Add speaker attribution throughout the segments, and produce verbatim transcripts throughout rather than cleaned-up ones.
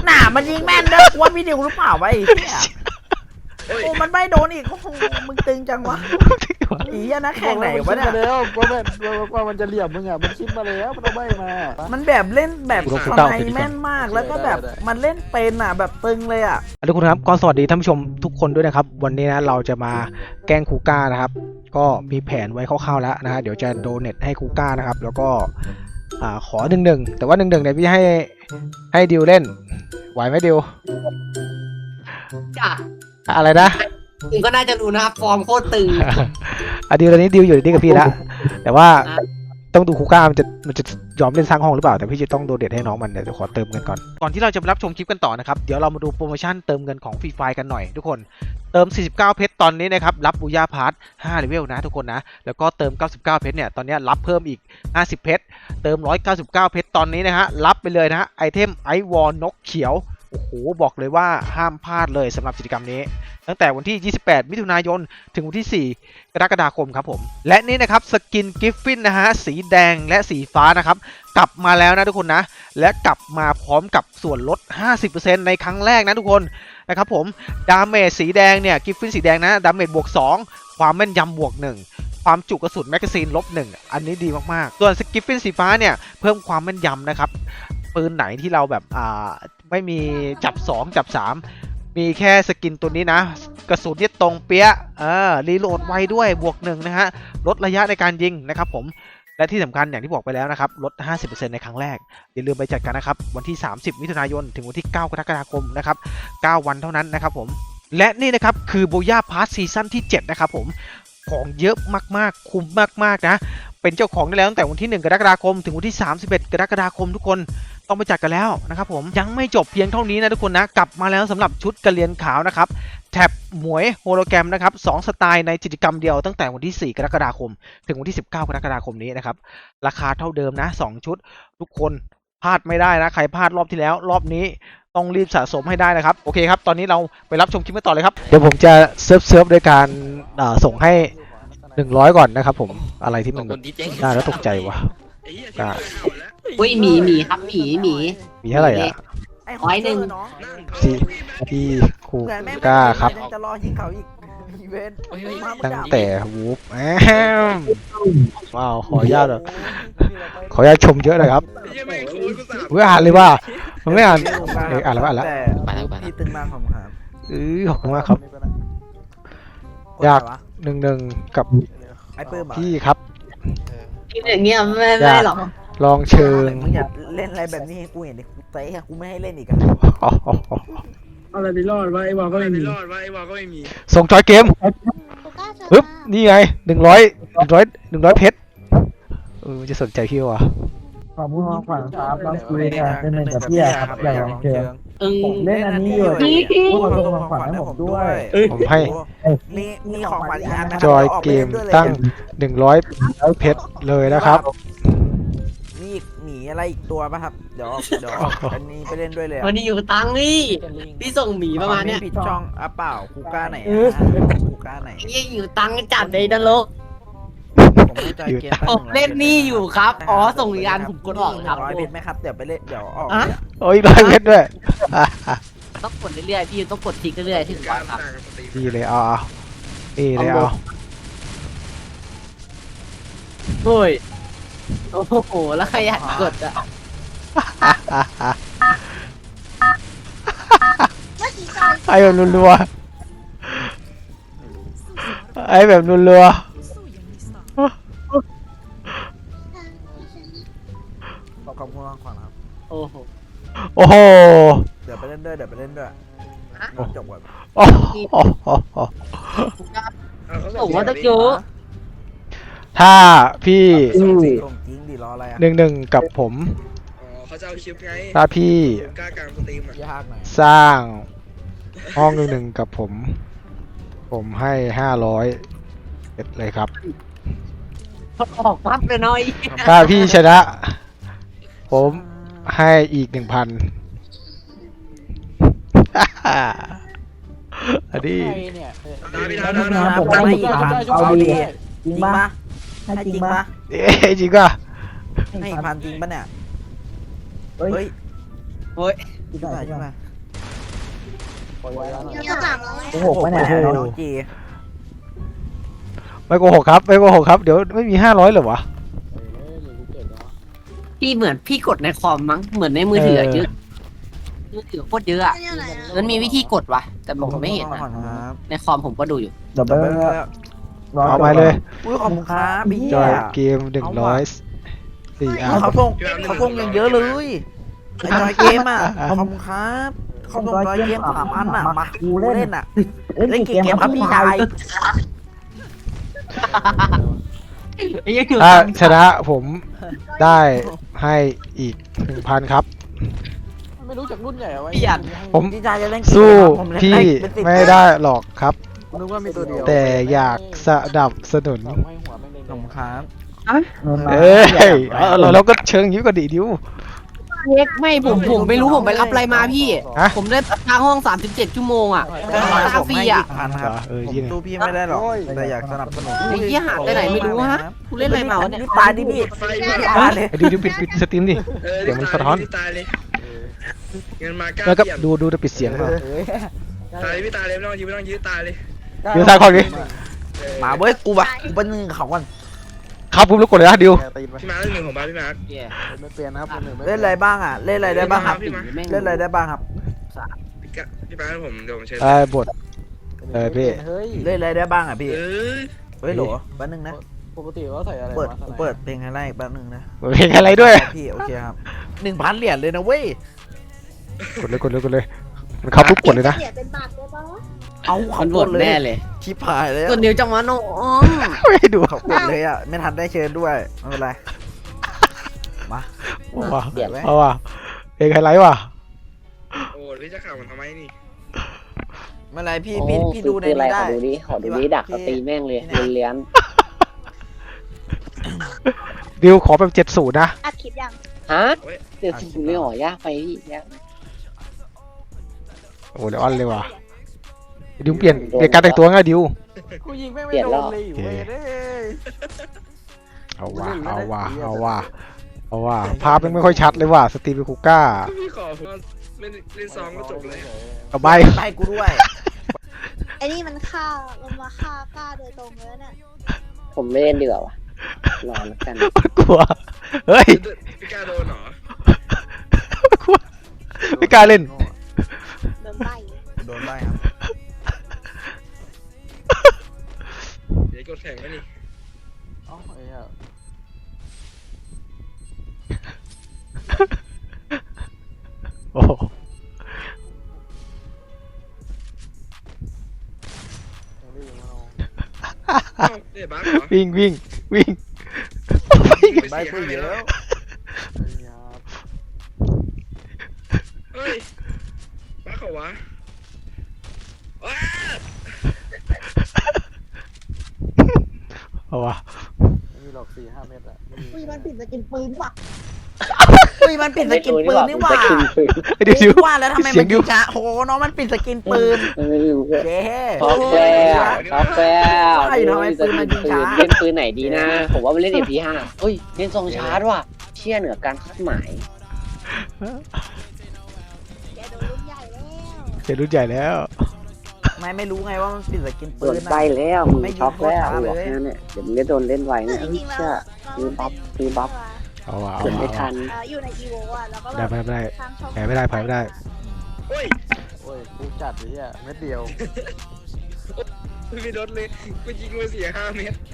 Speaker 1: หนามันยิงแม่นด้วยว่าพี่ดิวหรือเปล่าไอ้เนี่ยโอ้มันไม่โดนอีกโอ้โหมึงตึงจังวะอีอะนะแข่งไหนวะเนี่ย
Speaker 2: แล้วว่าแบบว่ามันจะเหลี่ยมมึงอ่ะมันคิดมาแล้วมันเอาใบมา
Speaker 1: มันแบบเล่นแบบสไนแม่นมากแล้วก็แบบมันเล่นเป็นอ่ะแบบตึงเลยอ่ะ
Speaker 3: ทุกคนครับก็สวัสดีท่านผู้ชมทุกคนด้วยนะครับวันนี้นะเราจะมาแกล้งคูก้านะครับก็มีแผนไว้คร่าวๆแล้วนะฮะเดี๋ยวจะโดเนทให้คูก้านะครับแล้วก็อ่าขอหนึ่งหนึ่งแต่ว่าหนึ่งหนึ่งเนี่ยพี่ให้ให้ดิวเล่นไหวไหมดิว
Speaker 4: จ้ะ
Speaker 3: อะไรนะ
Speaker 4: คุณก็น่าจะรู้นะครับฟอร์มโคตรตึง
Speaker 3: อ่ะดิวตอนนี้ดิวอยู่นี่กับพี่แล้วแต่ว่าต้องดูคูก้ามันจะมันจะยอมเล่นสร้างห้องหรือเปล่าแต่พี่จะต้องโดเนทให้น้องมันเดี๋ยวขอเติมเงินก่อนก่อนที่เราจะไปรับชมคลิปกันต่อนะครับเดี๋ยวเรามาดูโปรโมชั่นเติมเงินของฟรีไฟกันหน่อยทุกคนเติมสี่สิบเก้าเพชรตอนนี้นะครับรับบูย่าพาร์ทห้าเลเวลนะทุกคนนะแล้วก็เติมเก้าสิบเก้าเพชรเนี่ยตอนนี้รับเพิ่มอีกห้าสิบเพชรเติมหนึ่งร้อยเก้าสิบเก้าเพชรตอนนี้นะฮะรับไปเลยนะฮะไอเทมไอวอลนกเขียวโอ้โหบอกเลยว่าห้ามพลาดเลยสำหรับกิจกรรมนี้ตั้งแต่วันที่ยี่สิบแปดมิถุนายนถึงวันที่สี่กรกฎาคมครับผมและนี่นะครับสกินกิฟฟินนะฮะสีแดงและสีฟ้านะครับกลับมาแล้วนะทุกคนนะและกลับมาพร้อมกับส่วนลด ห้าสิบเปอร์เซ็นต์ ในครั้งแรกนะทุกคนนะครับผมดาเมจสีแดงเนี่ยกิฟฟินสีแดงนะดาเมจบวกสองความแม่นยำบวกหนึ่งความจุกระสุนแมกกาซีนลบหนึ่งอันนี้ดีมากๆส่วนสกิฟฟินสีฟ้าเนี่ยเพิ่มความแม่นยำนะครับปืนไหนที่เราแบบอ่าไม่มีจับสองจับสามมีแค่สกินตัวนี้นะกระสุนเนี่ยตรงเปี้ยเออรีโหลดไวด้วยบวกหนึ่งนะฮะลดระยะในการยิงนะครับผมและที่สำคัญอย่างที่บอกไปแล้วนะครับลด ห้าสิบเปอร์เซ็นต์ ในครั้งแรกอย่าลืมไปจัดกันนะครับวันที่สามสิบมิถุนายนถึงวันที่เก้ากรกฎาคมนะครับเก้าวันเท่านั้นนะครับผมและนี่นะครับคือโบย่าพาร์ทซีซั่นที่เจ็ดนะครับผมของเยอะมากๆคุ้มมากๆนะเป็นเจ้าของได้แล้วตั้งแต่วันที่หนึ่งกรกฎาคมถึงวันที่สามสิบเอ็ดกรกฎาคมทุกคนต้องไปจัดกันแล้วนะครับผมยังไม่จบเพียงเท่านี้นะทุกคนนะกลับมาแล้วสำหรับชุดกระเรียนขาวนะครับแท็บหมวยโฮโลแกรมนะครับสองสไตล์ในกิจกรรมเดียวตั้งแต่วันที่สี่กรกฎาคมถึงวันที่สิบเก้ากรกฎาคมนี้นะครับราคาเท่าเดิมนะสองชุดทุกคนพลาดไม่ได้นะใครพลาดรอบที่แล้วรอบนี้ต้องรีบสะสมให้ได้นะครับโอเคครับตอนนี้เราไปรับชมคลิปกันต่อเลยครับเดี๋ยวผมจะเซิร์ฟเซิร์ฟโดยการส่งให้หนึ่งร้อยก่อนนะครับผมอะไรที่มันน่าแล้วตกใจวะ
Speaker 4: อุ้ยหมีหมีครับหมีหมี
Speaker 3: มีเท่าไหร่อ่ะ
Speaker 4: ร้อยหนึ่ง
Speaker 3: สี่พี่ครูกล้าครับ
Speaker 1: จะรอยิงเขาอีกอีเวนต์
Speaker 3: ตั้งแต่วูฟแอมว้าวขออนุญาตขออนุญาตชมเยอะเลยครับเพื่ออ่านเลยว่ามันไม่อ่านเอออ่านแล้วอ่านแล้ว
Speaker 1: พี่ตึงมากของครับ
Speaker 3: เออขอบคุณมากครับอยากหนึ่งหนึ่งกับพี่ครับ
Speaker 4: พี่อย่างเงี้ยไม่ไม่หรอก
Speaker 3: ลองเชิง
Speaker 1: มึงอย่าเล่นอะไรแบบนี้กูเห็นดิกูเตะกูไม่ให้เล่นอีกอะ
Speaker 2: อะไรไม่รอดวะไอ้วอลก็ไม่มีรอดวะไอ้วอลก็ไม่มี
Speaker 3: ส่งจอยเกมปึ๊บนี่ไงหนึ่งร้อยหนึ่งร้อยหนึ่งร้อยเพชรเออจะสนใจพี่วะ
Speaker 2: ขอบคุณมากขวัญครับเราคุยกันเป็นเหมือนกับพี่ครับอย่างลองเชิงผมเล่นอันนี้อยู่พวกเราส่งขวัญให้ผมด้วย
Speaker 3: ผมให้
Speaker 1: มีมีของขวัญอีกอันนะ
Speaker 3: จอยเกมตั้งหนึ่งร้อยเพชรเลยนะครับ
Speaker 1: มีอีกหมีอะไรอีกตัวป่ะครับเดี๋ยวเดี๋ยวอันนี้ไปเล่นด้วยเลย
Speaker 4: วันนี้อยู่ตังนี่พี่ส่งหมีประมาณเนี้ย
Speaker 1: ผิดช่องอ่ะเปล่าคูก้าไหนคูก้าไหน
Speaker 4: ยังอยู่ตังจัดในนรกผมเล่นนี่อยู่ครับอ๋อส่งยานผมกดออกครับ
Speaker 1: ร้อยเพชรไหมครับเดี๋ยวไปเล่นเดี๋ยวออก
Speaker 3: โอ้ยร้อยเพชรด้วย
Speaker 4: ต้องกดเรื่อยๆพี่ต้องกดทิ้งเรื่อยๆถึงวันครับ
Speaker 3: ดีเลยเอาเอาดีเลยเอา
Speaker 4: โอ้ยโอ้โหแล้วขยันกดอ่ะ
Speaker 3: ไอ้แบบรัวๆไอ้แบบรัวๆ
Speaker 1: ขอบคุณมากขวัญครับ
Speaker 4: โอ้โห
Speaker 3: โอ้โห
Speaker 1: เดี๋ยวไปเล่นด้วยเดี๋ยวไปเล่นด้วยจบก่อน
Speaker 3: โอ้โห
Speaker 4: ผมว่าตะกี้
Speaker 3: ถ้าพี่
Speaker 1: จริงดิรออะไรอ่ะ
Speaker 3: หนึ่งหนึ่งกับผม
Speaker 2: เขาจะเอาคลิปไง
Speaker 3: ถ้าพี่สร้างห้องหนึ่งหนึ่งกับผมผมให้ห้าร้อยเอ็ดเลยครับ
Speaker 4: ออกปั๊บเลยน้อย
Speaker 3: ถ้าพี่ชนะผมให้อีกหนึ่งพันอันนี้
Speaker 1: ผมให้อีกพันเอาดีจริงปะให้จริงปะ
Speaker 3: เอ๊ะจริงป่ะ
Speaker 1: ให้อีกพันจริงปะเนี่ยเฮ้ย
Speaker 4: โอ้ย
Speaker 2: ที่
Speaker 1: ขึ้น
Speaker 2: ไหน
Speaker 1: มา
Speaker 2: ที่
Speaker 1: ขึ้น
Speaker 2: ไหน
Speaker 1: มา
Speaker 5: เยอะจังเลย
Speaker 2: โอ้โหไม่ไหน
Speaker 1: โอ้โห
Speaker 2: น้
Speaker 1: น้
Speaker 2: อ
Speaker 1: อง งจี
Speaker 3: ไม่โกหกครับไม่โกหกครับเดี๋ยวไม่มีห้าร้อยเหรอวะ
Speaker 4: พี่เหมือนพี่กดในคอมมั้งเหมือนในมือถืออะ
Speaker 3: เออ
Speaker 4: เยอะมือถือโคตรเยอะอะ
Speaker 5: เนี่ยไหนอะ
Speaker 4: มันมีวิธีกดวะแต่ผมไม่เห็น
Speaker 1: ก่อ
Speaker 4: อะ
Speaker 1: นครับ
Speaker 4: ในคอมผมก็ดูอยู่
Speaker 2: เดี๋ยวไป
Speaker 3: เอาไปเลย
Speaker 1: อุ้ยขอบคุณครับพี่
Speaker 3: จอยเกมหนึ่งร้อยสี่อัน
Speaker 1: เขาส่งเขาส่งอย่างเยอะเลยไอจอยเกมอ่ะขอบคุณครับเขาส่งจอยเกมสามอันอ่ะมากูเล่นอ่ะ เล่นกี่เกมครับพี่ชาย
Speaker 3: ถ้าชนะผมได้ให้อีกหนึ่งพันครับ
Speaker 6: ไม่รู้จักรุ่นใหญ่เอาไว้
Speaker 4: พี่อัด
Speaker 3: ผม
Speaker 1: พี่ชายจะเล่นกี่
Speaker 3: สู้
Speaker 1: เกมครับผมเล่น
Speaker 3: พี่
Speaker 1: เป็นสิบ
Speaker 3: ไม่ได้หรอกครับ
Speaker 6: นึกว่ามีตัวเดียว
Speaker 3: แต่อยากสนับสนุน
Speaker 6: สองให้หัวแม่งเลย
Speaker 1: ขอบคุณครับ
Speaker 3: เอ้ยเอาเราเราก็เชิงยิ้วกันดิดิว
Speaker 4: เล็กไม่ผมผมไม่รู้ผมไปรับอะไรมาพี่
Speaker 3: ฮะ
Speaker 4: ผมได้ทางห้องสามสิบเจ็ดชั่วโมงอ่ะ
Speaker 1: ได้
Speaker 4: ได้
Speaker 1: ผ
Speaker 4: ค่าม ฟรี
Speaker 1: ให้
Speaker 4: อ่ะ
Speaker 1: อีกพันครับ
Speaker 3: เออ
Speaker 1: ผม
Speaker 3: ยี่เนี่ย
Speaker 1: สู้พี่ไม่ได้หรอกแต่อยากสนับสนุน
Speaker 4: ไอ้เหี้ยหาไปไหนไม่รู้ฮะกูเล่นอะไรมาวะเนี่ย
Speaker 1: รีบตายดิพี่
Speaker 7: ไฟ
Speaker 1: รี
Speaker 7: มา
Speaker 1: บตายเลย
Speaker 3: ไอ้ดิวดิวปิดปิดสตรีมดิ
Speaker 7: เออ
Speaker 3: เดี๋ยวมันสะท้อน
Speaker 7: พี่ตายเลยเงินมาเก้า
Speaker 3: แล้วก็
Speaker 7: เปี่ยม
Speaker 3: ดูดูจะปิดเสียงเปล่า
Speaker 7: ตายเลยพี่ตายเลยไม่ต้องยื้อไม่ต้องยื้อตายเลย
Speaker 3: ดิวทายของดิ
Speaker 7: เออ
Speaker 1: มาเว้ยกูปะกูเป็นหนึ่งเขาก่อน
Speaker 3: ครับปุ๊บแล้วกดเลยนะดิว
Speaker 6: ตีนไป
Speaker 7: พี่มาร์คเล่นหนึ่งของบ้านพี่มาร์ค
Speaker 6: ไม่เปลี่ยนนะครับคนหนึ่งไม่
Speaker 1: เล่นอะไรบ้างอ่ะเล่นอะไรได้บ้างครับ
Speaker 7: พี่มาร์ค
Speaker 1: เล่นอะไรได้บ้างครับ
Speaker 7: พี่กะพี่มาร์คผมเดี๋ยวผมเชิญ
Speaker 3: ไอ้บท เออพี่
Speaker 6: เฮ้ย
Speaker 1: เล่นอะไรได้บ้างอ่ะพี่
Speaker 7: เออ
Speaker 1: เฮ้ยโหลแป๊บนึงนะ
Speaker 6: ปกติเขาใส่อะไร
Speaker 1: เปิด
Speaker 6: วะสไน
Speaker 1: เปิดเพลงให้ไล่แป๊บนึงนะ
Speaker 3: เพลงอะไรด้วย
Speaker 1: พี่โอเคครับหนึ่งพันเหรียญเลยนะเว้ย
Speaker 3: กดเลยกดเลยกดเลยมันเข้าปุ๊บกดเลยนะ
Speaker 5: เสียเป็นบาทได้ปะ
Speaker 1: เอา
Speaker 4: มั
Speaker 1: เขา
Speaker 4: น
Speaker 1: ก
Speaker 4: บ
Speaker 1: ด
Speaker 4: ด
Speaker 1: เลย
Speaker 4: แน่เลย
Speaker 1: ชิบหายเลย
Speaker 4: ตัวนิ้วจังหวะน้อง
Speaker 3: ไม่ให้ดู
Speaker 1: เขากดเลยอ่ะไม่ทันได้เชิญด้วยไม่เป็นไรมา
Speaker 3: เอาว่ะ
Speaker 1: เดี๋ยวไว้
Speaker 3: เอาว่ะเพลงไฮไลท์ว่ะ
Speaker 7: โอ้พี่จะข่าวมันทำไมนี่
Speaker 1: ไม่เป็นไรพี่พี่พี่ดูในนี้ได้
Speaker 4: ขอดูดิขอดูดิดักสตรีแม่งเลยเลี้ยน
Speaker 3: ดิวขอแบบเจ็ดศูนย์นะ
Speaker 5: อัดคลิปยัง
Speaker 4: ฮะเดี๋ยวสิไม่หอยากไปพี่ยาก
Speaker 3: โอ้เดี๋ยวออนเลยว่ะดิวเปลี่ยนเปลี่ยนการแต่งตัวง่ายดิว
Speaker 6: กูยิงแม่งไม่โดนเลยอยู่เว้ยเด้ย
Speaker 3: เอาว่ะเอาว่ะเอาว่ะเอาว่ะภาพมันไม่ค่อยชัดเลยว่ะสตรีมเป็นคูก้า
Speaker 7: พี่ขอผมไม่เล่นซองก็จบเลย
Speaker 3: เอาใบ
Speaker 1: ไล่กูด้วย
Speaker 5: ไอ้นี่มันฆ่ามันมาฆ่าป้าโดยตรงเลยเนี่ย
Speaker 4: ผมไม่เล่นเดือดว่ะรอแล้วกัน
Speaker 3: กลัวเฮ้ย
Speaker 7: พี่กล้าโดนเหรอก
Speaker 3: ลัวไม่กล้าเล่น
Speaker 5: โดนใบ
Speaker 1: โดนไล่ครับ
Speaker 7: เดี๋ยวกดแข่งไว้นี่
Speaker 6: เอ้าไอ้เหี้ย
Speaker 3: โอ้โห
Speaker 6: ยังไม่ยิงมาลง
Speaker 7: เอ้าเดี๋ยวบ้าเหรอ
Speaker 3: วิ่งวิ่งวิ่ง
Speaker 1: ใบกูเยอะ
Speaker 6: ไอ้เหี้ย
Speaker 7: เฮ้ยบ้าเขาวะว้า
Speaker 3: เอาว่ะ
Speaker 6: ไม่มีหรอกสี่ห้าเมตรอะไม่มี
Speaker 5: อุ้ยมันปิดสกินปืนว่ะ
Speaker 1: อุ้ยมันปิดสกินปืนนี่หว่า
Speaker 3: ไอ้ดิวดิว
Speaker 1: ว่าแล้วทำไม
Speaker 3: เสี
Speaker 1: มั
Speaker 3: ย
Speaker 1: น
Speaker 3: งดิ
Speaker 1: ยิ
Speaker 3: ว
Speaker 1: งช้าโอ้โหน้องมันปิดสกินปืนเย้
Speaker 4: ท็อปแล้วท็อปแล้ว
Speaker 1: ใช่ทำไมปืนมันยิงช้า
Speaker 4: เล่นปืนไหนดีนะ ผมว่าไปเล่น เอ พี ห้าเฮ้ยเล่นทรงชาร์จว่ะเชี่ยเหนือการคาดหมาย
Speaker 5: แกโดนรุ่นใหญ่แล้ว
Speaker 3: เจรุ่นใหญ่แล้ว
Speaker 1: ไม่ไม่รู้ไงว่ามันปิดสกิน
Speaker 4: โด
Speaker 1: ปื
Speaker 4: น
Speaker 1: น
Speaker 4: ใบ
Speaker 1: นะ
Speaker 4: แล้วมึง
Speaker 1: ไม่ยิง
Speaker 4: ช็อกแล้ว
Speaker 1: โคตรช้าเลย
Speaker 4: บอกแค่นั้นเนี่ยเดี๋ยวมึงจะโดนเล่นไว
Speaker 5: คือ
Speaker 4: เนี่ย
Speaker 5: จริงๆแล้ว
Speaker 4: เชื่อ
Speaker 5: เรา
Speaker 4: มีบัฟมีบัฟ
Speaker 3: เอาว่ะเอา
Speaker 4: เกิด
Speaker 3: ว่ะ
Speaker 4: ไม่ทัน
Speaker 5: เอ่ออยู่ในอีโวอ่ะแล้วก็
Speaker 3: ได้
Speaker 5: แบบ
Speaker 3: ไม่ได้
Speaker 5: ทางช่อง
Speaker 3: แพ้ไม่ได้แพ้ไม่ได้
Speaker 7: โอ้ย
Speaker 6: โอ้ยกูจัดไอ้เหี้ยเม็ดเดียว
Speaker 7: ไม่ลดเลยกูยิงมาเสียห้าเมตร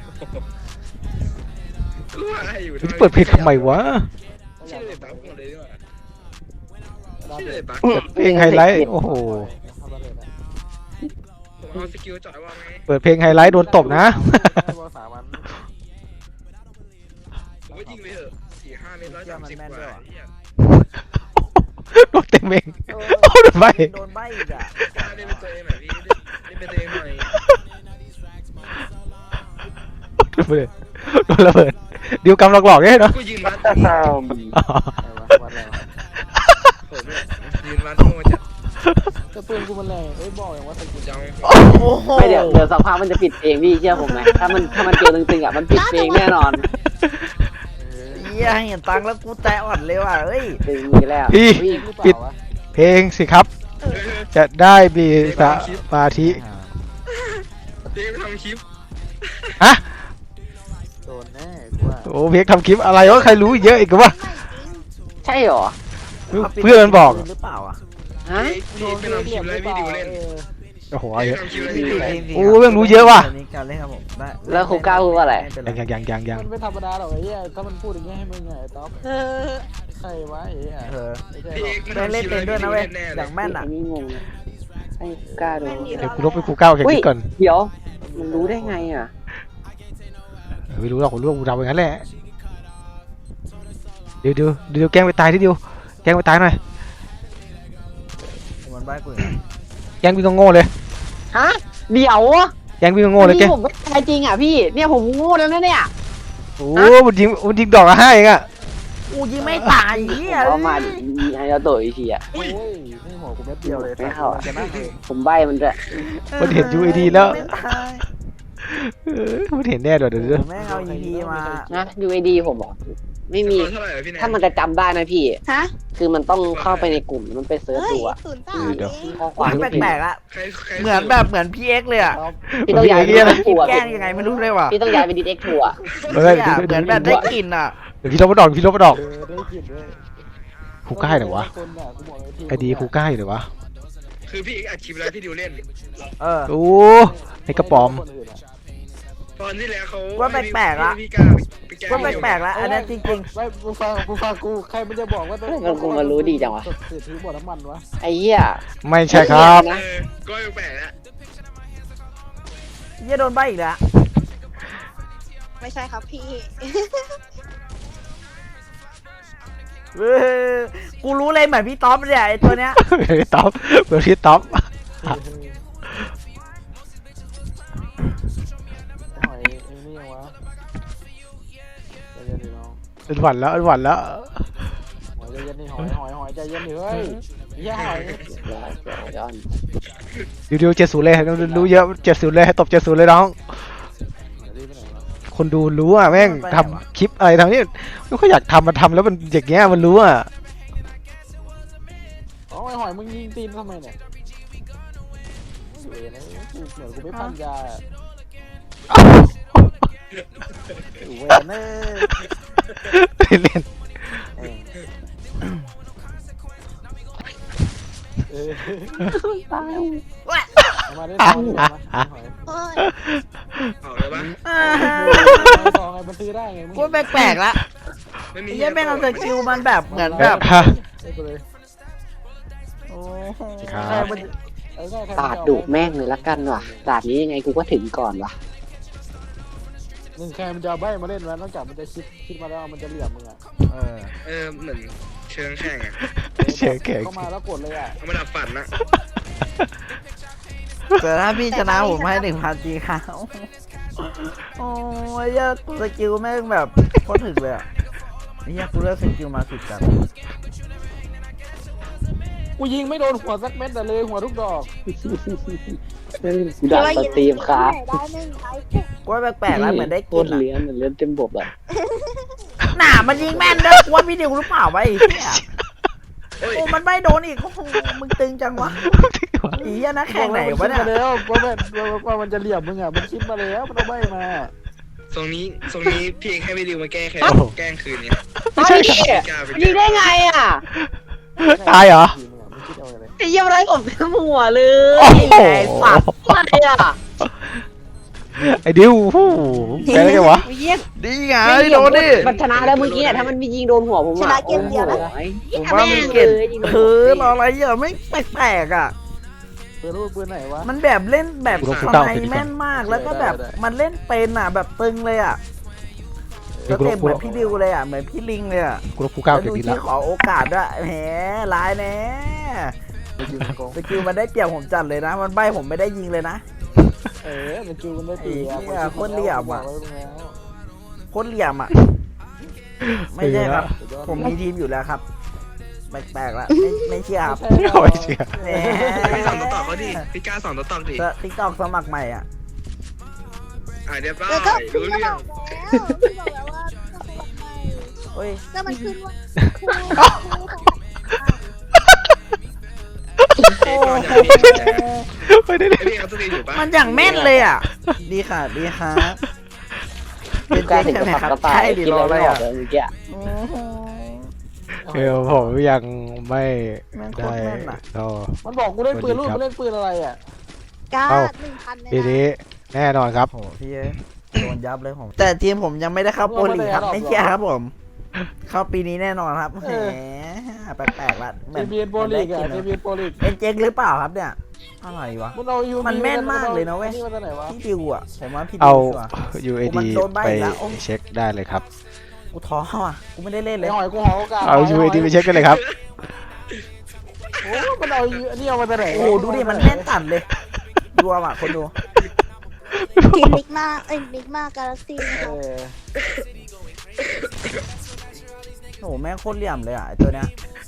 Speaker 7: รู้อะไรอยู่
Speaker 3: จะเปิดเพลงทำไมวะ
Speaker 7: ชื่อเลยบ้าหมดเลยดีกว่าชื่อเลยบ้า
Speaker 3: เปิดเพลงไฮไลท์โอ้โห
Speaker 6: ทำอะไรนะ
Speaker 7: ผมเอาสกิลจ่อยว่าไง
Speaker 3: เปิดเพลงไฮไลท์โดนตบนะ
Speaker 6: ให้บอกสามวัน
Speaker 7: ผมก็ยิงไปเถอะสี่ห้าเมตรร้อยสามสิบกว่าเหี้ย
Speaker 3: โดนเต็มเอง
Speaker 1: เออ
Speaker 3: โอ้โดนใบ
Speaker 1: โดนใบอีกอ่ะ
Speaker 7: กล้าเล่นเป็นตัวเองหน่อยพี่เล่นเป็นตัวเองหน่อย
Speaker 3: โดนระเบิดโดนระเบิดดิวกำหลอกๆเนี่ยเนาะ
Speaker 7: กูยืนวัดพี่
Speaker 6: ไอ้วะวันอะไรวะ
Speaker 7: ผมเนี่ยยืนวัดโง่จัด
Speaker 6: แต่ปืนกูมันแรงเอ้ยบอกอย่างว่าสกิล
Speaker 7: จัง
Speaker 1: โอ้โห
Speaker 4: ไม่เดี๋ยวเดี๋ยวสักพักมันจะปิดเองพี่เชื่อผมไหมถ้ามันถ้ามันเจอตึงๆอ่ะมันปิดเองแน่นอน
Speaker 6: เออ
Speaker 1: ยเหี้ยเห็นตังค์แล้วกูใจอ่อนเลยว่ะเฮ้ย
Speaker 4: ดึงมือแล้ว
Speaker 3: พี่
Speaker 6: เองหรือเป
Speaker 3: ปิด
Speaker 6: ล่าวะ
Speaker 3: เพลงสิครับ จะได้มีสมาธิ
Speaker 7: เด็กทำคลิป
Speaker 3: ฮะ
Speaker 6: โดนแน่กูว่า
Speaker 3: โอ้เพลงทำคลิปอะไรวะใครรู้เยอะอีกวะ
Speaker 4: ใช่เหรอ
Speaker 3: เพื่อนมันบอก
Speaker 1: หรือเปล่าอ่ะ
Speaker 4: ฮะ
Speaker 7: พี่พี่ทำคลิปแล้วพี่ดิวเล่น
Speaker 3: โอ้โห
Speaker 7: พี่
Speaker 3: เยอะ
Speaker 7: ทำคลิปแล้วพี่ดิวเล่น
Speaker 3: โอ้เรื่องรู้เยอะว่ะ
Speaker 1: นนี้การเล่นครับผมได้
Speaker 4: แล้วครูก้าวพูดว่าอะไร
Speaker 1: ม่เป็น
Speaker 3: ยังยังยังยังยัง
Speaker 6: มันไม่ธรรมดาหรอกไอ้เหี้ยถ้ามันพูดอย่างเงี้ยให้มึงไงไอ้ต๊อบ
Speaker 5: เออ
Speaker 6: ใครวะไอ้เหี้ย
Speaker 1: เออ
Speaker 6: ไม่ใช่
Speaker 7: พี่
Speaker 6: หร
Speaker 7: เอ
Speaker 6: อก
Speaker 7: กมัน
Speaker 1: เล่น
Speaker 7: ทำค
Speaker 1: เล่น
Speaker 7: ลิป
Speaker 1: เป็น
Speaker 7: แล้ว
Speaker 1: ด้วย
Speaker 7: พี่
Speaker 1: นะ
Speaker 7: ดิว
Speaker 1: เว้ย
Speaker 7: เล่นแน่เลย
Speaker 1: อย่างแม่นอ่ะ
Speaker 4: นี่งงให้กล้าดู
Speaker 3: เดี๋ยวกูลบไปกูก้าวแข่งคลิปก่อน
Speaker 4: เดี๋ยว มันรู้ได้ไงอ่ะ
Speaker 3: ไม่รู้หรอกผมรู้ว่ากูทำอย่างนั้นแหละเดี๋ยวเดี๋ยวเดี๋ยวแกล้งไปตายทีเดียวแกล้งไปตายหน่อย
Speaker 1: มันใบ้กู
Speaker 3: แกล้งวิ่งโง่ๆเลย
Speaker 4: ฮะ เดี๋ยว
Speaker 3: แกล้งวิ่งโง่ๆเลยแก
Speaker 4: นี่ผมไม่ตายจริงอ่ะพี่ เนี่ยผมโง่แล้วนะเนี่ย
Speaker 3: โอ้มันยิงมันยิงดอกละห้าเองอะ
Speaker 1: กูยิงไม่ตายเหี้ย
Speaker 4: เอามาดิให้เราโตอีกทีอ่ะ
Speaker 6: โอ้ยนี่หัวกูเม็ดเดียวเลย
Speaker 4: ไม่เข้าอะ
Speaker 6: จะนั่งเลย
Speaker 4: ผมใบมันด้วย
Speaker 3: มันเห็น ยู ไอ ดี แล้ว
Speaker 1: ไม่ตาย
Speaker 3: เออมันเห็นแน่เดี๋ยวเดี๋ยวเดี๋ยว
Speaker 1: แม่งเอา อี พี มา
Speaker 4: นะ ยู ไอ ดี ผมบอกไม่มี
Speaker 7: สกอร์เท่าไหร่อะพี่แนน
Speaker 4: ถ้ามันจะจำได้นะพี่
Speaker 5: ฮะ
Speaker 4: คือมันต้องเข้าไปในกลุ่มมันไปเซิร์ช
Speaker 5: เฮ้ย
Speaker 4: ดูอ่ะ
Speaker 5: ศูนย์สามเอง
Speaker 4: ข้อความ
Speaker 1: แปลกๆละ
Speaker 7: ใครใคร
Speaker 1: เหมือนแบบเหมือนพีเอ็กเลยอ่ะ
Speaker 4: พี่ต้องย้ายไปดิสเอ็กทัวร์
Speaker 1: แกล้งยังไงไม่รู้เลยว่ะ
Speaker 4: พี่ต้องย้ายไปดิสเอ็กทัวร์
Speaker 3: เฮ้ย
Speaker 1: เหี้ย
Speaker 3: เดี๋ยว
Speaker 1: เหมือนแบบได้กลิ่นอ่ะ
Speaker 3: เดี๋ยวพี่ลบมาดอกพี่ลบมาดอก
Speaker 6: เออได้กลินด้วย
Speaker 3: ครูก้าเหรอวะ
Speaker 6: คนน่ะกูบอกเลยทีม
Speaker 3: ไอดีครูก้าเหรอวะ
Speaker 7: คือพี่เอกอัดคลิปแล้วพี่ดิวเล่น
Speaker 1: เออ
Speaker 3: โอ้ไอกระป๋อม
Speaker 6: คนอื่นอะ
Speaker 7: ตอนที่แล้วเขา
Speaker 1: ว่าแปลกๆละ
Speaker 7: พี่กล้าไปแก้
Speaker 1: ก็แปลกๆแล้วอันนี้จริง
Speaker 6: ไม่กูฟังกูฟังกูใครมันจะบอกว่าต้อง
Speaker 4: มันคงมารู้ดีจังวะ
Speaker 6: เสียถือบ่อน้ำมันวะ
Speaker 4: ไอ้เหี้ย
Speaker 3: ไม่ใช่ครับ
Speaker 7: เออก็แปลกๆแล้ว
Speaker 1: ๆเหี้ยโดนใบอีกแล้ว
Speaker 5: ไม่ใช่ครับพี่
Speaker 1: เออกูรู้เลยเหมือนพี่ต๊อปเนี่ยไอตัวเนี้ย
Speaker 3: เหมือนพี่ต๊อปเหมือนพี่ต๊อป
Speaker 6: หอยไอ้นี่ยังวะใจเย็นดิน้อง
Speaker 3: เป็นหวัดแล้วเป็นหวัดแล้ว
Speaker 6: หอยใจเย็นดิหอยหอยหอยใจเย็นดิเฮ้ยเหี้ยหอย
Speaker 4: ย้อนย้อน
Speaker 3: เดี๋ยวเดี๋ยวเจ็ดศูนย์เลยรู้เยอะเจ็ดศูนย์เลยให้ตบเจ็ดศูนย์เลยน้อง
Speaker 6: เดี๋ยวรีบไปไหนวะ
Speaker 3: คนดูรู้อ่ะแม่งทำคลิปอะไรทำนี่ไม่ค่อยอยากทำมันทำแล้วมันอย่างเงี้ยมันรู้อ่ะ
Speaker 6: อ๋อไอ้หอยมึงยิงตีนทำไมเนี่ยเวรนะกูเหมือนกูไม่พันยาอะเวรเนอ
Speaker 3: เล่น
Speaker 6: เออ
Speaker 4: ตาย
Speaker 6: เอามาได้ทองดีกว่าไหมหอย
Speaker 5: โอ้ย
Speaker 7: เอาเลยปะ
Speaker 1: อ่า
Speaker 6: ทองไงมันซื้อได้ไงมึง
Speaker 1: กูแปลกๆละ
Speaker 7: ไม่มี
Speaker 1: ไอ้เหี้ยแม่งเอาสกิลมันแบบเหมือน
Speaker 3: แบ
Speaker 1: แบบ บ
Speaker 3: ฮะ
Speaker 6: ไอ้กูเลย
Speaker 1: โอ้โห
Speaker 3: ครับ
Speaker 1: ใครมัน
Speaker 6: เออใช่ใคร
Speaker 4: ตาดดุแม่งเลยละกันว่ะตาดนี้ยังไงกูก็ถึงก่อนว่ะ
Speaker 6: หนึ่งใครมันจะเอาใบมาเล่นวะนอกจากมันจะคิดคิดมาแล้วมันจะเหลี่ยมมึงอ่ะ
Speaker 1: เออ
Speaker 7: เออเหมือนเชิงแข่งอะ
Speaker 3: เชียร์แข่ง
Speaker 6: เข้ามาแล้วกดเลยอ่ะ
Speaker 7: เอามาดับฝันนะ
Speaker 1: แต่ถ้าพี่ชนะผมให้หนึ่งพันจีครับโอ้ยเหี้ยสกิลแม่งแบบโคตรถึกเลยอ่ะไอ้เหี้ยกูเลือกสกิลมาสุดจัด
Speaker 6: กูยิงไม่โดนหัวสักเม็ดแต่เลยหัวทุกดอก
Speaker 4: กูด่าสตรีมครับ
Speaker 5: ได้หนึ่งไลค์
Speaker 1: กูว่าแปลกๆแล้วเหมือนได้
Speaker 4: โค
Speaker 1: กิ
Speaker 4: ต
Speaker 1: น
Speaker 4: ร
Speaker 1: อ่ะ
Speaker 4: เลี้ยนเหมือนเลี้ยนเต็มบบอ่ะ
Speaker 1: หนามันยิงแม่นเด้อกูว่าพี่ดิวหรือเปล่าวะไอ้เหี้ย
Speaker 7: โอ้ย
Speaker 1: โอ้มันไม่โดนอีกโอ้โหมึงตึงจังวะไอ้เหี้ยนะแข่งไหนวะเนี่ย
Speaker 6: มัคิดมาแล้วว่ามันว่ามันจะเหลี่ยมมึงอ่ะมันคิดมาแล้วมันเอาใบมา
Speaker 7: ทรงนี้ทรงนี้พี่เอกให้พี่ดิวมาแก้แค้นแกล้งคืนเนี่ย
Speaker 4: ไม่ใช่
Speaker 7: พี่กล้าไป
Speaker 4: ยิงได้ไงอ่ะ
Speaker 3: ตายเหรอ
Speaker 6: มันคิดเอาอะไร
Speaker 4: ไอ้เยี่ยมไรผมเต็มหัวเล
Speaker 3: โอ้
Speaker 4: ย
Speaker 3: โห
Speaker 4: อะไรอ่ะ
Speaker 3: ไอ้ดิวฮู้แกได้ไงวะ
Speaker 4: เยี่ยม
Speaker 1: ดีไงโดนดิ
Speaker 4: มันชนะแล้วเมื่อกี้ถ้ามันมียิงโดนหัวผม
Speaker 5: ชนะเกมเดียวนะ
Speaker 1: ผมว่ามันเก่งเออรออะไรอ่ะไม่แปลกๆอ่ะ
Speaker 6: ปืนรูปปืนไหนวะ
Speaker 1: มันแบบเล่นแบบ
Speaker 3: กูลบ
Speaker 1: ท
Speaker 3: กูเก้า
Speaker 1: นายแม่นมากแล้วก็แบบ
Speaker 6: ได้ได้
Speaker 1: มันเล่นเป็นอ่ะแบบตึงเลยอ่ะ
Speaker 3: เดี๋
Speaker 1: แล้
Speaker 3: ยว วกู
Speaker 1: เต็
Speaker 3: ล
Speaker 1: ม
Speaker 3: บ
Speaker 1: เห
Speaker 3: กู
Speaker 1: มื
Speaker 3: ล
Speaker 1: อบ นพี่ดิวเลยอ่ะเหมือนพี่ลิงเลยอ่ะ
Speaker 3: กูลบกูเก้า
Speaker 1: แล้ว
Speaker 3: เก็บ
Speaker 1: ดู
Speaker 3: ดี
Speaker 1: ที่
Speaker 3: แล้ว
Speaker 1: ขอโอกาสด้วยแหมร้ายแน่
Speaker 6: มันยิงโกง
Speaker 1: สกิลมันได้เปรียบผมจัดเลยนะ มันใบผมไม่ได้ยิงเลยนะ
Speaker 6: เออมันคิวมันได้ตีอ่ะ
Speaker 1: ไอ้เหี้ยโคตรเหลี่ยมอะ
Speaker 6: บอกไว้ตรงแล้ว
Speaker 1: โคตรเหลี่ยมอ่ะไม่ใช่ครับ ผมมีทีมอยู่แล้วครับแปลกๆละไม่ไม่เชื่อครับ
Speaker 6: ไม่ใช่
Speaker 3: โอ้ยเชีย
Speaker 1: แหม
Speaker 7: พี่สอนต่อต่อเขาดิพี่กล้าสอนต่อต่อดิ
Speaker 1: ติ๊กตอกสมัครใหม่อ่ะ
Speaker 7: อ่าเดี๋ยวป้า
Speaker 5: แล้วก็
Speaker 7: รู้
Speaker 5: พี่ก็
Speaker 7: เรื่
Speaker 5: บ
Speaker 7: อ
Speaker 5: อง กแล้วพี่บอกแล้วว่าต้องไป
Speaker 1: เฮ้ย
Speaker 5: แล้วมันขึ้นว่าครูครู
Speaker 7: ไอ้ก่อนอย่างนี้
Speaker 3: ไม่ได้เลย
Speaker 7: ไอ้พี่เขาสตรีมอยู่ปะ
Speaker 1: มันอย่างแม่นเลยอ่ะ ดีค่ะดีครับเป็น
Speaker 4: กล้า
Speaker 1: เจ๊
Speaker 4: ถึง
Speaker 1: ใช่
Speaker 4: กับ
Speaker 1: ไหม
Speaker 4: ขับ
Speaker 1: ครับ
Speaker 4: กระต่า
Speaker 1: ใช่
Speaker 4: ย
Speaker 1: ดิ
Speaker 4: กิน
Speaker 1: รอ
Speaker 4: แล้ว
Speaker 1: อะไร
Speaker 4: ไม่ออ
Speaker 1: อ่ะ
Speaker 4: กเลยเมื่อกี้
Speaker 1: โอ้โห
Speaker 3: เออผมยังไม่
Speaker 1: แม่งโคต
Speaker 3: ได้
Speaker 1: รแม่นอะ
Speaker 3: ก็
Speaker 6: มันบอกกูเล่นปืนลูกกูเล่นปืนอะไรอ่ะ
Speaker 5: การ
Speaker 3: เอ้า
Speaker 5: หนึ่งพัน
Speaker 3: ปี
Speaker 5: เลย
Speaker 3: นี้
Speaker 5: นะ
Speaker 3: แน่นอนครับ
Speaker 1: โอ้โหพี่เอ้ยโดนยับเลยผม แต่ทีมผมยังไม่ได้เข้าโปรลีกครับไม่เชื่อครับผม เข้าปีนี้แน่นอนครับแหมแปลกๆละ
Speaker 6: เจเบียนโปรลีกอ่ะเจเบียนโปรลีก
Speaker 1: เป็นเจ๊กหรือเปล่าครับเนี่ยอะไรวะ
Speaker 6: มันเอายู
Speaker 1: มันแม่นมากเลยนะเว้ย
Speaker 6: นี่มันไหนวะ
Speaker 1: พี่ดิวอ่ะผมว่าพี่ดิ
Speaker 3: เอา
Speaker 1: วชัวร์
Speaker 3: ยู เอ
Speaker 1: มั
Speaker 3: ดี
Speaker 1: นโดนใบ้
Speaker 3: ไป
Speaker 1: อีกแล้วโอ้
Speaker 3: เช็คได้เลยครับ
Speaker 1: กูท้ออ่ะกูไม่ได้เล่นเล
Speaker 6: ไอ้
Speaker 1: ย
Speaker 6: หอยกูหอยโอกาส
Speaker 3: เอา ยู เอ ดี ไปเช็คกันเลยครับ
Speaker 6: โอ้มันเอาอันนี้เอามาจากไหน
Speaker 1: โอ้โหดูดิมันแม่นตัดเลยดูอ่ะคนดู
Speaker 5: ทีมมิกมาเอ้ยมิกมากาแล็กซี่นะ
Speaker 6: เอ
Speaker 5: ครับ
Speaker 6: อ
Speaker 1: โอ้โหแม่งโคตรเหลี่ยมเลยอ่ะไอตัวเนี้ย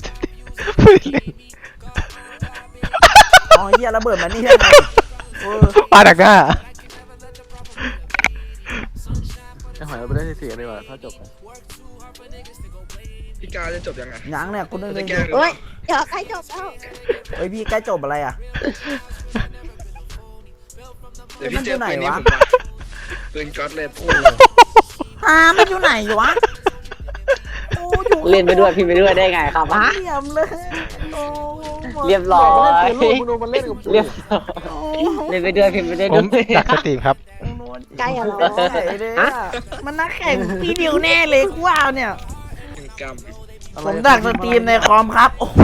Speaker 1: อ๋อเฮียระเบิดมันนี่ใช่ไหมเออ
Speaker 3: ปาดักหน้า
Speaker 6: ไอ้หอยเอาไปได้ที่สี่เลยว่ะถ้าจบ
Speaker 7: พี่กาจะจบยังไง
Speaker 1: ยังเนี่ยคุณนึก
Speaker 7: จะ
Speaker 1: เลย
Speaker 7: แก้หรือเป
Speaker 5: เฮ้
Speaker 7: ล่าย
Speaker 5: เดี๋ยวใกล้จบแล้ว
Speaker 1: เฮ้ยพี่ใกล้จบอะไรอ่ะ
Speaker 7: เดี๋ยวพี่เจอปืนนี้ผมมาปืนก๊อตเลย
Speaker 1: ฮามันอยู่ไหนวะโอ้อยู่
Speaker 4: เล่นไปด้วยพี่ไปด้วยได้ไงครับฮะ
Speaker 1: เหลี่ยมเลยโอ้โห
Speaker 4: เรียบร้อย
Speaker 6: มันเล่นปืนลูกมึงดูมันเล่นกับ
Speaker 4: เรียบ
Speaker 1: โอ้
Speaker 4: เล่นไปด้วยพี่ไปด้วย
Speaker 3: ผม
Speaker 4: ด้วย
Speaker 3: ดักสตรีมครับ
Speaker 5: ใกล้อะไร
Speaker 1: โอ้ยเลยอะมันนักแข่งพี่ดิวแน่เลยกูว่าเนี่ย
Speaker 7: กรรม
Speaker 1: ผมดักสตรีมในคอมครับ โอ้โห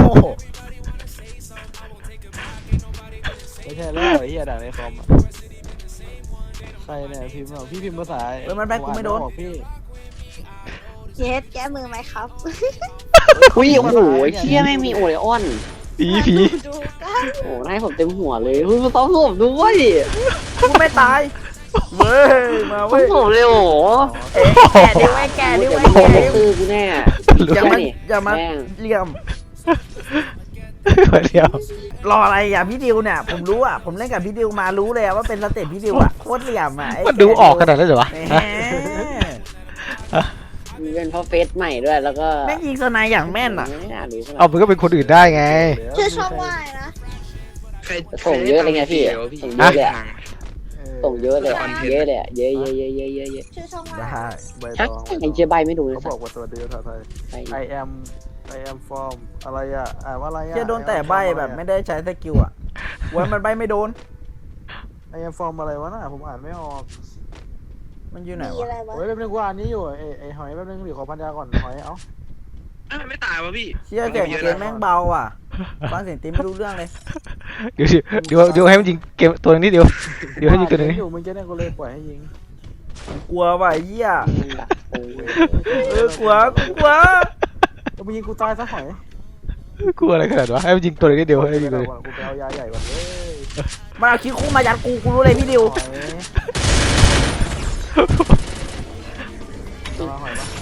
Speaker 6: ไม่ใช่แล้วไอ้เหี้ยด่าในคอมอะใครเนี่ยพิมพ์เหรอพี่พิมพ์ภาษา
Speaker 1: เฮ้ยมันแบกกูไม่โดน
Speaker 6: บอกพี่
Speaker 5: เย็ดแก้มือไหมครับ
Speaker 4: อุ้ยโอ้โหเชี่ยไม่งมีโอเลออน
Speaker 3: ผีผี
Speaker 5: ดูกัน
Speaker 4: โอ้ให้ผมเต็มหัวเลยเฮ้ยมาต้องผมด้วย
Speaker 1: กูไม่ตาย เว้ย มา
Speaker 4: ต้อ
Speaker 1: เว้
Speaker 4: ง
Speaker 1: ย
Speaker 4: ผมเลยโอ้โห
Speaker 1: เอ๊ะแกะดิไว้แกะดิไว้
Speaker 4: โอ้โห
Speaker 1: แกะดิ
Speaker 4: ตื้อกูแน่
Speaker 1: อย่ามา
Speaker 4: นี่
Speaker 1: อย่ามา
Speaker 4: แม่ง
Speaker 1: เหลี่ยม
Speaker 3: เดียว
Speaker 1: รออะไรอ่ะพี่ดิวเนี่ย ผมรู้อ่ะ ผมเล่นกับพี่ดิวมารู้เลยอะว่าเป็นสเต็ปพี่ดิวอ่ะ โคตรเหลี่ยมอ่ะไ
Speaker 3: มันดูออกขนาดนั้นเหรอวะ
Speaker 1: แหม
Speaker 4: เป็นเพราะเฟซใหม่ด้วยแล้วก็
Speaker 1: แม่งยิงสไนด์อย่างแม่นอ่ะ
Speaker 4: ไม่น่ารู้
Speaker 3: เอามันก็เป็นคนอื่นได้ไง
Speaker 5: ชื่อช่องว่าอะไรนะ
Speaker 7: ใคร
Speaker 4: ส่งเยอะเลยไงพี่ส่งเยอะเลยอะ ส่งเยอะเลยอะ
Speaker 7: คอนเทนต์
Speaker 4: เยอะเลยอะเยอะเยอะเยอะเยอะเยอะเยอะ
Speaker 5: ชื่อช่องว่า
Speaker 1: ได้
Speaker 6: ใบ
Speaker 4: ชัก
Speaker 6: ตอง
Speaker 4: ไอ้เจ๊ใบไม่ดูเลย
Speaker 6: เขา
Speaker 4: สั
Speaker 6: บอกว่าสวัสดีภาษาไทย
Speaker 4: ไป
Speaker 6: I am I am from อะไรอ่ะอ่านว่าอะไรอ่ะ
Speaker 1: เชี่ยโดนแต่ใบแบบไม่ได้ใช้สกิลอ่ะไว้มันใบไม่โดน
Speaker 6: I am from อะไรวะน่ะผมอ่านไม่ออก
Speaker 1: มันอยู่ไหน
Speaker 5: มี
Speaker 1: วะ
Speaker 5: อะไรวะ
Speaker 6: โอ้ยแป๊บนึงกูอ่านนี้อยู่ไอ้ไอ้หอยแป๊บนึงเดี๋ยวขอพันยาก่อนหอยเอ้า
Speaker 7: อ้าวไม่ตายวะพี่
Speaker 1: เชี่ยเสียงเกมแม่งเบาอ่ะฟังเสียงตีไม่รู้เรื่องเลย
Speaker 3: เดี๋ยวเดี๋ยวเดี๋ยวให้มันยิงเกมตัวนี้เดียวเดี๋ยวให้ยิงตัวนี้
Speaker 6: อยู่มึงจะเนี่ยกูเลยปล่อยให้ยิง
Speaker 1: กลัวว่ะไอ้เหี้ย
Speaker 4: โอ้ย
Speaker 1: เออกลัวกูกลัว
Speaker 6: แล้วมึงยิงกูตายซะหอย
Speaker 3: กลัวอะไรขนาดวะให้มันยิงตัวนี้เดียวให้ยิงตัวนี้
Speaker 6: กูไปเอายาใหญ่ก่อนเลย
Speaker 1: มันเอาคิดคู่มายัดกูกูรู้เลยพี่ดิว
Speaker 6: หอยเอาหอยปะ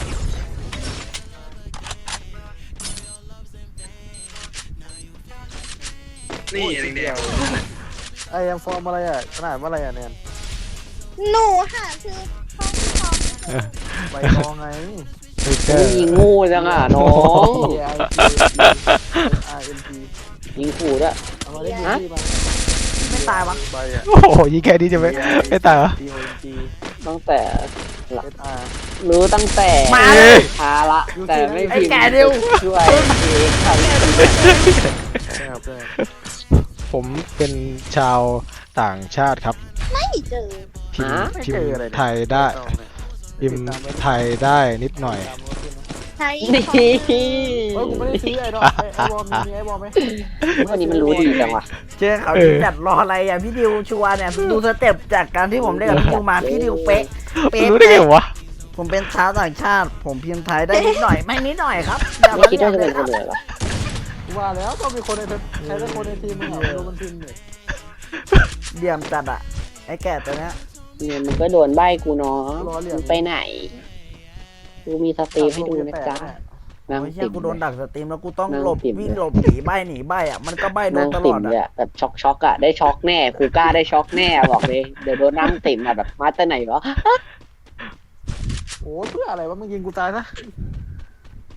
Speaker 7: นี่แดง
Speaker 6: ไอ้ยังฟอร์มอะไรอ่ะขนาดว่าอะไรอ่ะแนน
Speaker 5: หนูหาชื่อช่องช่อง
Speaker 6: ใบตองไง
Speaker 3: เฮ้ยเจอ
Speaker 4: ยิงงูจังอ่ะน้อง
Speaker 6: T I R N T
Speaker 4: ยิงขู่ด้วย
Speaker 6: เอามาเล่นยูซี่มา
Speaker 1: ไม่ตายวะ
Speaker 6: ใบอ่ะ
Speaker 3: โอ้โหยิงแค่นี้จะไม่ไม่ตายเหรอ
Speaker 6: T O N T
Speaker 4: ตั้งแต่
Speaker 6: S R
Speaker 4: รู้ตั้งแต่
Speaker 1: มา
Speaker 3: เอ้ย
Speaker 4: ทาละแต่ไม่พิมพ์
Speaker 1: ไอ้แก่ดิว
Speaker 4: ช่วยเองครับ
Speaker 6: ใช่ครับใช่
Speaker 3: ผมเป็นชาวต่างชาติครับ
Speaker 5: ไม่เจอ
Speaker 3: พิมพ์พิมพ์ไทยได้พิมพ์ไทยได้นิดหน่อย
Speaker 5: ใช้
Speaker 4: นี่
Speaker 5: ของ
Speaker 6: เฮ้ยกูไม่ได้ซื้อไอ้ดอกไอ้ไอ้บอลมีไอ้บอลไหม
Speaker 4: วันนี้มันรู้ดีจังวะ
Speaker 1: เจอเขาที่จัดรออะไรอ่ะพี่ดิวชัวร์เนี่ยดูสเต็ปจากการที่ผมเล่นกับพี่ดิวมาพี่ดิวเป๊ะเป๊ะ
Speaker 3: รู้ได้ไงวะ
Speaker 1: ผมเป็นชาวต่างชาติ ผมพิมพ์ไทยได้นิดหน่อยไม่นิดหน่อยครับอย่า
Speaker 4: ไม่
Speaker 1: มา
Speaker 4: คิดว่าจะ
Speaker 1: เรี
Speaker 4: เป็
Speaker 1: ย
Speaker 4: น
Speaker 1: ก
Speaker 4: คนเลยเหรอ
Speaker 6: กูว่าแล้วต้องมีคนในใช้แต่คนในทีมมึงเหรอดูมันทีมเนี่ย
Speaker 1: เดี่ยมจัดอ่ะไอ้แก่ตัวเนี้ย
Speaker 4: เนี่ยมันก็โดนใบกูเนาะมึงไปไหนกูมีสตรีมให้ดูนะจ๊ะนาง
Speaker 1: ไม่
Speaker 4: ติ่
Speaker 1: ใช่
Speaker 4: ม
Speaker 1: กูโดนดักสตรีมแล้วกูต้อง
Speaker 4: นั่ง
Speaker 1: หลบ
Speaker 4: ติ่ม
Speaker 1: วิ่งหลบหนีใบหนีใบอ่ะมันก็ใบโด
Speaker 4: นาน ง
Speaker 1: ตล
Speaker 4: ติ่
Speaker 1: อ
Speaker 4: ม
Speaker 1: ด
Speaker 4: เลย
Speaker 1: อ่ะ
Speaker 4: อะแบบช็อกช็อกอะได้ช็อกแน่ครูกล้าได้ช็อกแน่บอกเลยเดี๋ยวโดนนั่งติ่มอะแบบมาแต่ไหนวะ
Speaker 6: โอ้เพื่ออะไรวะมึงยิงกูตายซะ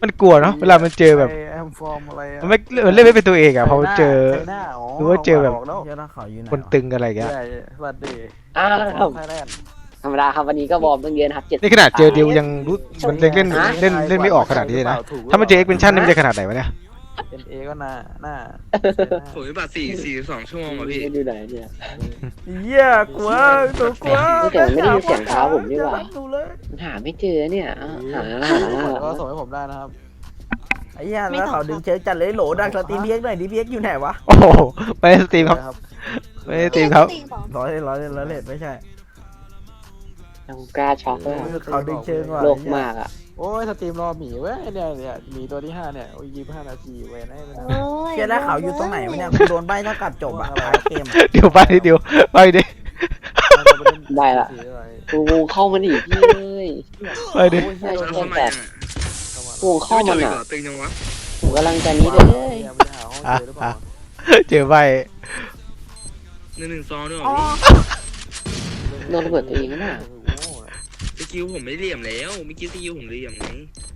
Speaker 3: มันกลัวเนาะเวลามันเจอแบบ
Speaker 6: แอมฟอร์มอะไรอะ
Speaker 3: มันไม่มันเล่นไม่เป็นตัวเองอ่ะพอมันเจอ
Speaker 6: ไชน่าอ๋อ
Speaker 3: หรือว่าเจอแบบ
Speaker 6: กแล้ว
Speaker 1: เหี้ยถ้าเขาอยู่ไหน
Speaker 3: คน
Speaker 1: วะ
Speaker 3: ตึงอะไรอย่างเงี้ย
Speaker 6: ใช่สวัสดี
Speaker 4: อ้าว
Speaker 6: ไทยแลนด์
Speaker 4: ธรรมดาครับวันนี้ก็วอร์มตั้งเยอะนะครับเจ็ด
Speaker 3: นี่ขนาดเจอดิวยังรู้มันเล่นเล่นเล่นเล่นไม่ออกขนาดนี้เลยนะถ้ามันเจอเอ็กเพนชั่นนี่มันจะขนาดไหนวะเนี่ย
Speaker 6: เอ็นเอก็หน้าหน้า
Speaker 7: ผมมีบัตรสี่สี่สองชั่วโมงอ่ะพี่
Speaker 4: อยู่ไหนเนี่ย
Speaker 1: เหี้ยกลัวตัวกลัว
Speaker 4: แต่มันไม่ได้ยินเสียงเท้าผมนี่หว่า
Speaker 1: ดูเลย
Speaker 4: หาไม่เจอเนี่ยอ่ะหาหา
Speaker 6: ก็ส่งให้ผมได้นะครับ
Speaker 1: ไอ้เหี้ยแล้วเขาดึงเชิงจัดเลยโหลดังสตรีมเพียกหน่อยดิเพียกอยู่ไหนวะ
Speaker 3: โอ้โหไม่ได้สตรีมครับ
Speaker 6: ครับ
Speaker 3: ไม่ได้สตรีมครับ
Speaker 5: ตีบอก
Speaker 1: ร้อยร้อยร้อยเลทไม่ใช่
Speaker 4: ยังกล้าช็อกเลยอะ
Speaker 1: เขาดึงเชิงว่ะ
Speaker 4: โลกมากอ่ะ
Speaker 6: โอ้ยสตรีมรอหมีเว้ยเนี่ยเนี่ยหมีตัวที่ห้าเนี่ยโอ้ยยี่สิบห้านาทีเว้ยนะไม่ได้
Speaker 5: โอ้ย
Speaker 1: เชี่ยแล้วเขาอยู่ตรงไหนวะเนี่ยกูโดนใบเท่ากับจบอะท้ายเกมอะ
Speaker 3: เดี๋ยวไปดิเดี๋ยวไปดิ
Speaker 4: ได้ละ กูวงเข้ามันอีกพี่เอ้ย
Speaker 3: ไปดิ
Speaker 4: ใช่
Speaker 7: แล้ว
Speaker 4: ใช่
Speaker 7: เข้ามา
Speaker 4: แต่
Speaker 7: ยังอ่ะ
Speaker 4: วงเข้ามัน
Speaker 7: ไม่
Speaker 4: อ่ะ
Speaker 7: เจออีกเหรอตึงยังวะ
Speaker 4: ผมกำลังจะนี้เลย
Speaker 3: อ่ะอ่ะเจอไป
Speaker 7: หนึ่งหนึ่งซองด้วยเหร
Speaker 1: อ๋
Speaker 7: อ
Speaker 1: อ
Speaker 7: พี่
Speaker 4: โดนระเบิดตัวเองน่ะ
Speaker 7: สกิลผมไม่เหลี่ยมแล้วเมื่อกี้สกิลผมเหลี่ยมไง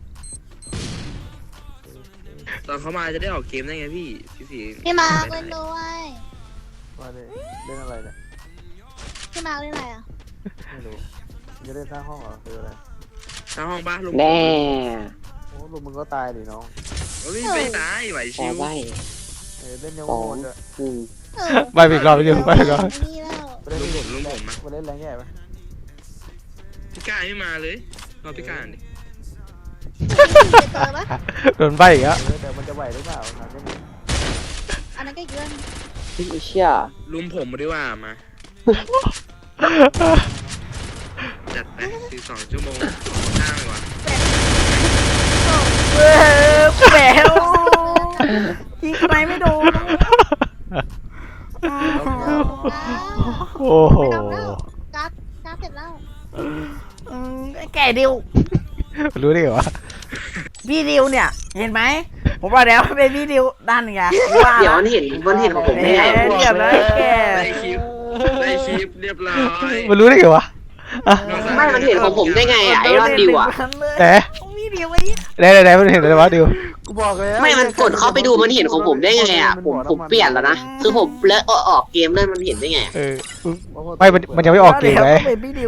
Speaker 7: ตอนเขามาจะได้ออกเกมได้ไงพี่พี่สี
Speaker 5: พี่มาร์คเล่นด้วย
Speaker 6: มาดิเล่นอะไรเนี่ย
Speaker 5: พี่มาร์คเล่นอะไรอ่ะ
Speaker 6: ไม่รู้จะเล่นสร้างห้องเหรอคืออะไร
Speaker 7: ทางห้องบ้านลุง
Speaker 4: แน่
Speaker 6: โอ้ลุงมึงก็ตายดิน้อง
Speaker 7: โอ้ยไม่ตายไหว
Speaker 4: พ
Speaker 7: ชิ
Speaker 4: อ
Speaker 7: ว
Speaker 4: ใบ
Speaker 6: เออเล่นยังโหดอ่ะ
Speaker 4: อืม
Speaker 5: เออ
Speaker 3: ไปอีกรอบไปดิไปอีกรอบ
Speaker 5: นี่แล้ว
Speaker 6: ไปเล่น
Speaker 7: ลุงผมลุงผมนะ
Speaker 6: ไปเล่นแรงแย่ปะ
Speaker 7: พี่กายไม่มาเลยรอพี่กายดิ
Speaker 5: เจอปะ
Speaker 3: โดนใบอีกแล้ว
Speaker 6: เออแต่มันจะไหวหรือเปล่าถามแค่นี้
Speaker 5: อันนั้นก็อีกเรื่อง
Speaker 4: พี่เชี่ย
Speaker 7: ลุมผมมาดีกว่ามาจัดไปสี่สองชั่วโมงห้าเลยวะ
Speaker 1: เว้ยแหววยิงทำไมไม่โดน
Speaker 3: โอ้โห
Speaker 5: ไม่ต้องแล้วการ์ดการ์ดเสร็จแล้ว
Speaker 1: อืมไอ้แก่ดิว
Speaker 3: รู้ได้ไงวะ
Speaker 1: พี่ดิวเนี่ย เห็นไหมผมว่าแล้วเป็นพี่ดิวด้านไงว่า
Speaker 4: เดี๋ยวมันเห็นมันเห็นของผม
Speaker 1: เอ๊
Speaker 4: ได้ไง
Speaker 1: ะเรียบร้อยแก่
Speaker 7: ได้คลิปได้คลิปเรียบร้อย
Speaker 3: มันรู้ได้ไงวะอ่ะ
Speaker 4: ไม่มันเห็นของผมได้ไงอ่ะไอรอนดิวอ่ะ
Speaker 3: ไหน
Speaker 1: พี่ดิวไอ้
Speaker 3: ไหนไหนไหนมันเห็นอะไรวะดิว
Speaker 6: กูบอกเลย
Speaker 4: ไม่มันกดเข้าไปดูมันเห็นของผมได้ไงอ่ะผมผมเปลี่ยนแล้วนะคือผมแล้วออกเกมเลยมันเห็นได้ไง
Speaker 3: เออไม่มันมันยังไม่ออกเกมเลย
Speaker 1: เป็นพี่ดิว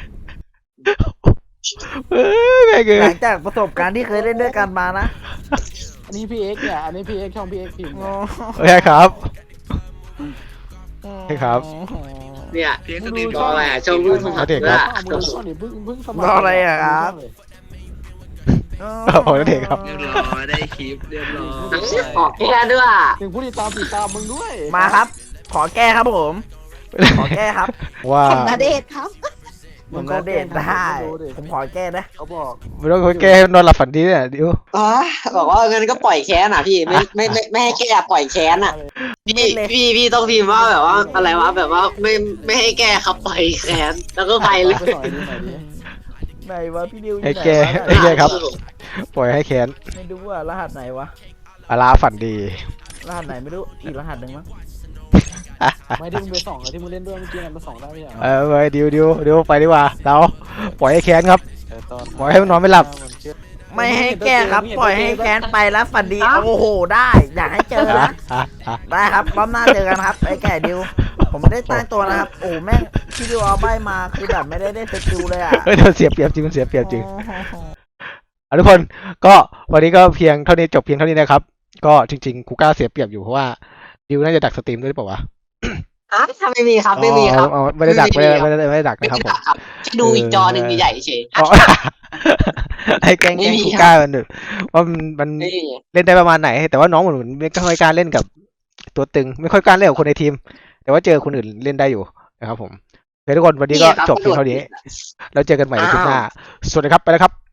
Speaker 3: เอ้ยแม่งเอ้
Speaker 1: หลั
Speaker 3: ย
Speaker 1: งจากประสบการณ์ที่เคยเล่นด้วยกันมานะ
Speaker 6: อันนี้พี่เอ็กเนี่ยอันนี้พี่เอ็กช่องพี่เอ็กพิมพ์
Speaker 1: โอ้
Speaker 3: โอเคครับ ใช่ครับ
Speaker 4: เนี่ย
Speaker 7: เพียงส
Speaker 6: มึง
Speaker 7: ตรี
Speaker 6: ดู
Speaker 7: ม
Speaker 4: รออะไรอ่ะช่องรูปของ
Speaker 3: เอาเด็ก
Speaker 4: เพื่
Speaker 3: ค
Speaker 4: อ
Speaker 3: รับ
Speaker 6: มึงดูช่องดิเพิ่งเพิ่งสมัค
Speaker 1: รออะไรอะครับ
Speaker 3: โอ้โหเด็กครับ
Speaker 7: เรียบร้อยได้คลิปเรียบร้อย
Speaker 4: ออกแค่ด้วย
Speaker 6: ถึงผู้ติดตามติดตามมึงด้วย
Speaker 1: มาครับ ขอแก้ครับผม ขอแก้ครับ
Speaker 3: ว่า
Speaker 5: ผมนาเดชน์ครับ
Speaker 1: ผมก็เดทได้ ผมขอแก้นะ
Speaker 6: เขาบอก
Speaker 3: ไม่ต้องแก้ให้นอนหลับฝันดีเนี่ยดิว
Speaker 4: อ๋อบอกว่างั้นก็ปล่อยแค้นอ่ะพี่ไม่ไม่ไม่ไม่ให้แก้ปล่อยแค้นอ่ะพี่พี่พี่ต้องพิมพ์ว่าแบบว่าอะไรวะแบบว่าไม่ไม่ให้แก้ครับปล่อยแค้นแล้วก็ไปเลย
Speaker 6: ไปสอนดิหน่อยดิ
Speaker 1: ไหนวะพี่ดิวอยู่
Speaker 3: ให้
Speaker 1: ไหน
Speaker 3: แก้
Speaker 1: วะ
Speaker 3: ให้แก้ครับ ปล่อยให้แค้น
Speaker 1: ไม่รู้ว่ารหัสไหนวะ
Speaker 3: อาลาฝันดี
Speaker 1: รหัสไหนไม่รู้ อีกรหัสหนึ่งมั้ง
Speaker 6: ไม่ที่มึงไปส่องอะที่มึงเล่นด้วยเมื่อกี้นั่นไปส่องได้ไหมอ่ะ
Speaker 3: เออไปดิวดิวดิวไปดีกว่าเราปล่อยให้แค้นครับ
Speaker 6: แต่ตอน
Speaker 3: ปล่อยให้มันนอนไม่หลับ
Speaker 1: ไม่ให้แก้ครับ ปล่อยให้แค้นไปแล้วฝันดี โอ้โห ได้ อยากให้เจอนะ
Speaker 3: อ่ะอ่ะ
Speaker 1: ได้ครับรอบหน้าเจอกันครับ ไอ้แก่ดิว ผมไม่ได้ตั้งตัวนะครับ โอ้แม่งพี่ดิวเอาใบมา คือแบบไม่ได้ได้สกิลเลยอ่ะ
Speaker 3: เฮ้ยมันเสียเปรียบจริงมันเสียเปรียบจริง
Speaker 1: โอ้โห
Speaker 3: อ่ะทุกคนก็วันนี้ก็เพียงเท่านี้จบเพียงเท่านี้นะครับ ก็จริงๆคูก้าเสียเปรียบอยู่เพราะว่าดิวน่าจะดักสตรีมด้วยหรือเปล่าวะ
Speaker 4: อ่ะถ้าไม่มีครับไม่มีครับ
Speaker 3: อ๋ออ๋อไม่ได้ดักไม่ได้ไม่ได้ไม่ได้ดัก
Speaker 4: ไม่
Speaker 3: นะครับผม
Speaker 4: ได้ครับดูอีกจอหนึ่งใหญ่ๆเฉย
Speaker 3: อ๋อ ไอ้แกล้งแกล้ง
Speaker 4: ไม่มี
Speaker 3: คู
Speaker 4: ครับ
Speaker 3: ก้ามันว่ามันมัน
Speaker 4: ไม่มี
Speaker 3: เล่นได้ประมาณไหน แต่ว่าน้องเหมือนไม่ค่อยกล้าเล่นกับตัวตึง ไม่ค่อยกล้าเล่นกับคนในทีม แต่ว่าเจอคนอื่นเล่นได้อยู่นะครับผมโอเคทุกคนวันนี้ก็จบเพียงเท่านี้แล้วเจอกันใหม่ในคลิปหน้าสวัสดีครับไปแล้วครับ